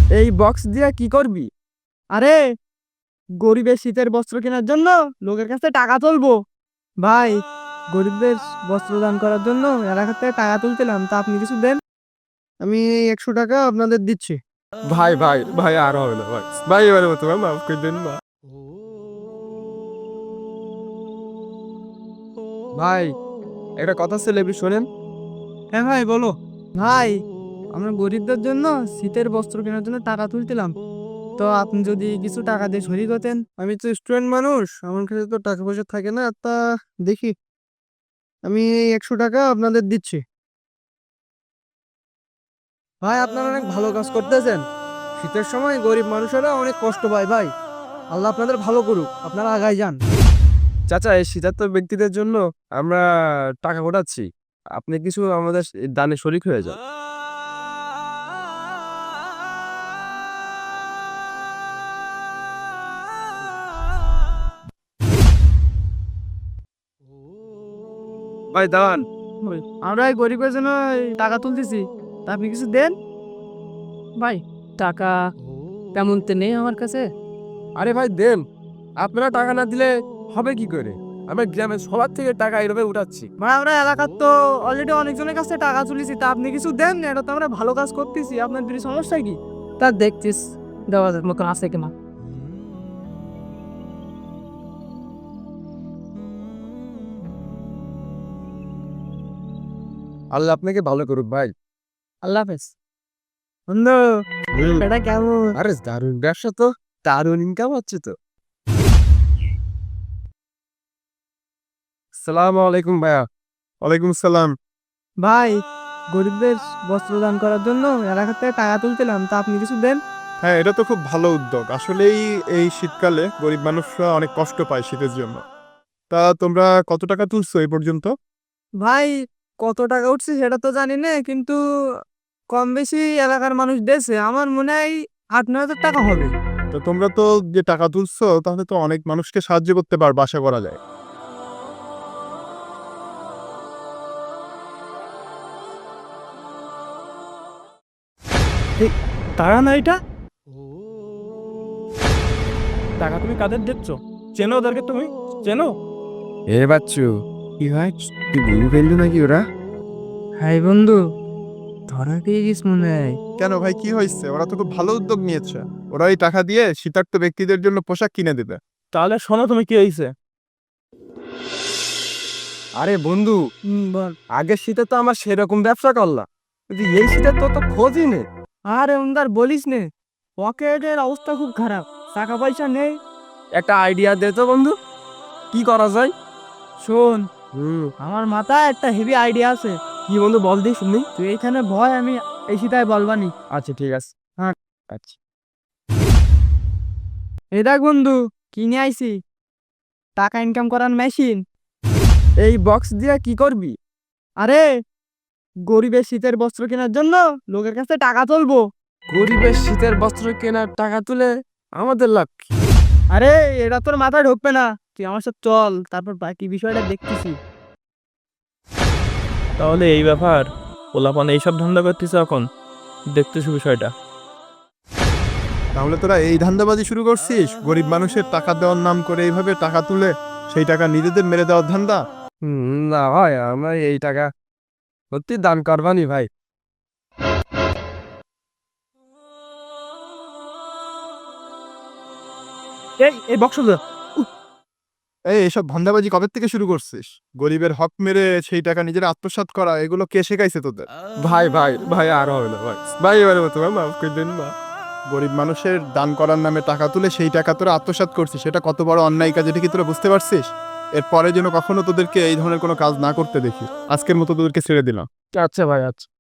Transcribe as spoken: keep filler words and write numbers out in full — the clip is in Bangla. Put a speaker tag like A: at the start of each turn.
A: এই বক্স দিয়ে কি করবি? আরে গরিবের শীতের বস্ত্র কেনার জন্য লোকের কাছে টাকা তুলবো। ভাই, গরিবদের বস্ত্র দান করার জন্য এলাকার থেকে টাকা তুলছিলাম, তা আপনি কিছু দেন। আমি এই একশো টাকা আপনাদের দিচ্ছি।
B: ভাই ভাই ভাই আর হবে না ভাই ভাই এবারে মতো ভাই মাফ করে দেন না। ভাই একটা কথা ছিল একটু শোনেন।
A: হ্যাঁ ভাই, বলো। ভাই, আমরা গরিবদের জন্য শীতের বস্ত্র কেনার জন্য টাকা তুলছিলাম, তো আপনি যদি কিছু টাকা দিয়ে শরিক হতেন। আমি তো স্টুডেন্ট মানুষ, আমার কাছে তো টাকা পয়সা থাকে না, তা দেখি আমি এই একশো টাকা আপনাদের দিচ্ছি। ভাই, আপনারা অনেক ভালো কাজ করতেছেন। শীতের সময় গরিব মানুষেরা অনেক কষ্ট পায় ভাই। আল্লাহ আপনাদের ভালো করুক, আপনারা আগায় যান।
B: চাচা এই শীতার্ত ব্যক্তিদের জন্য আমরা টাকা ওঠাচ্ছি, আপনি কিছু আমাদের দানে শরিক হয়ে যান। ভাই দাঁড়ান।
A: ওই, আমরা এই গরিবের জন্য এই টাকা তুলতেছি, তা আপনি কিছু দেন।
C: ভাই, টাকা তেমন তো নেই আমার কাছে।
B: আরে ভাই দেন, আপনারা টাকা না দিলে হবে কি করে? আমরা গ্রামের সবার থেকে টাকা এইভাবে উঠাচ্ছি।
A: ভাই, আমরা এলাকার তো অলরেডি অনেকজনের কাছে টাকা তুলেছি, তা আপনি কিছু দেন। এটা তো আমরা ভালো কাজ করতেছি, আপনার কিছু সমস্যা কি?
C: তা দেখছিস দেওয়ার মতো আছে কিনা।
B: আল্লাহ আপনাকে ভালো করুক ভাই।
A: আল্লাহ হাফেজ। বন্ধু, এটা কেমন?
B: আরে দারুণ ব্যবসা তো, দারুণ ইনকাম হচ্ছে তো। আসসালামু আলাইকুম ভাইয়া।
D: ওয়ালাইকুম সালাম।
A: ভাই, গরিবদের বস্ত্র দান করার জন্য এলাকার থেকে টাকা তুলছিলাম, তা আপনি কিছু দেন।
D: হ্যাঁ, এটা তো খুব ভালো উদ্যোগ। আসলেই এই শীতকালে গরিব মানুষরা অনেক কষ্ট পায় শীতের জন্য। তা তোমরা কত টাকা তুলছো এই পর্যন্ত?
A: ভাই, কত টাকা উঠছে সেটা তো জানি না, কিন্তু কম বেশি এলাকার মানুষ দেশে আমার মনে হয় আট নয় হাজার টাকা হবে।
D: তো তোমরা তো যে টাকা তুলছো তাহলে তো অনেক মানুষকে সাহায্য করতে পারবে, আশা করা যায়।
A: টাকা না এটা? টাকা তুমি কাদের দিচ্ছ? চেনো ওদেরকে? তুমি চেনো?
B: এ বাচ্চু, কি হয়, তুই বুঝে ফেললি নাকি ওরা?
A: হাই বন্ধু, ধরা পেয়ে গেছ মনে হয়।
D: কেন ভাই, কি হয়েছে? ওরা তো খুব ভালো উদ্যোগ নিয়েছে। ওরা এই টাকা দিয়ে শীতার্ত ব্যক্তিদের জন্য পোশাক কিনে দেবে।
A: তাহলে শোনো, তুমি কি হয়েছে?
B: আরে বন্ধু,
A: বল।
B: আগের শীতে তো আমার সেরকম ব্যবসা করলাম, কিন্তু এই শীতে তো তো খোঁজই নেই।
A: আরে ওন্দার বলিস নে, পকেটের অবস্থা খুব খারাপ, টাকা পয়সা নেই।
B: একটা আইডিয়া দে তো বন্ধু, কি করা যায়?
A: শোন,
B: হুম,
A: আমার মাথায় একটা হেভি আইডিয়া আছে।
B: কি বন্ধু বল দি শুনি।
A: তুই এইখানে ভয়, আমি এই সিটাই বলবানি।
B: আচ্ছা ঠিক আছে।
A: হ্যাঁ।
B: আচ্ছা।
A: এই দেখ বন্ধু, কিনে আইছি টাকা ইনকাম করার মেশিন। এই বক্স দিয়ে কি করবি? আরে গরিবের শীতের বস্ত্র কেনার জন্য লোকের কাছে টাকা তুলবো।
B: গরিবের শীতের বস্ত্র কেনার টাকা তুলে আমাদের লাভ কি?
A: আরে এটা তোর মাথায় ঢুকবে না, তুই আমার সাথে চল, তারপর বাকি বিষয়টা দেখতেছি।
E: তাহলে এই ব্যাপার, পোলাপান এইসব ধান্দা করতেছে এখন, দেখতেছি বিষয়টা।
D: তাহলে তোরা এই ধান্দাবাজি শুরু করছিস, গরিব মানুষের টাকা দেওয়ার নাম করে এইভাবে টাকা তুলে সেই টাকা নিজেদের মেরে দেওয়ার ধান্দা?
B: হুম, না ভাই, আমরা এই টাকা সত্যি দান করবানি ভাই।
A: এই এই বক্স দে।
D: এই এসব ধান্দাবাজি কবে থেকে শুরু করছিস? গরিবের হক মেরে সেই টাকা নিজের আত্মসাৎ করা, এগুলো কে শেখাইছে তোদের?
B: ভাই ভাই ভাই আর হবে না ভাই ভাই এবারে মতো ভাই মাফ করে দেন না।
D: গরিব মানুষের দান করার নামে টাকা তুলে সেই টাকা তোরা আত্মসাৎ করছিস, সেটা কত বড় অন্যায় কাজ, এটা কি তোরা বুঝতে পারছিস? এরপরে যেন কখনো তোদেরকে এই ধরনের কোনো কাজ না করতে দেখি। আজকের মতো তোদেরকে ছেড়ে দিলাম।
B: আচ্ছা ভাই, আচ্ছা।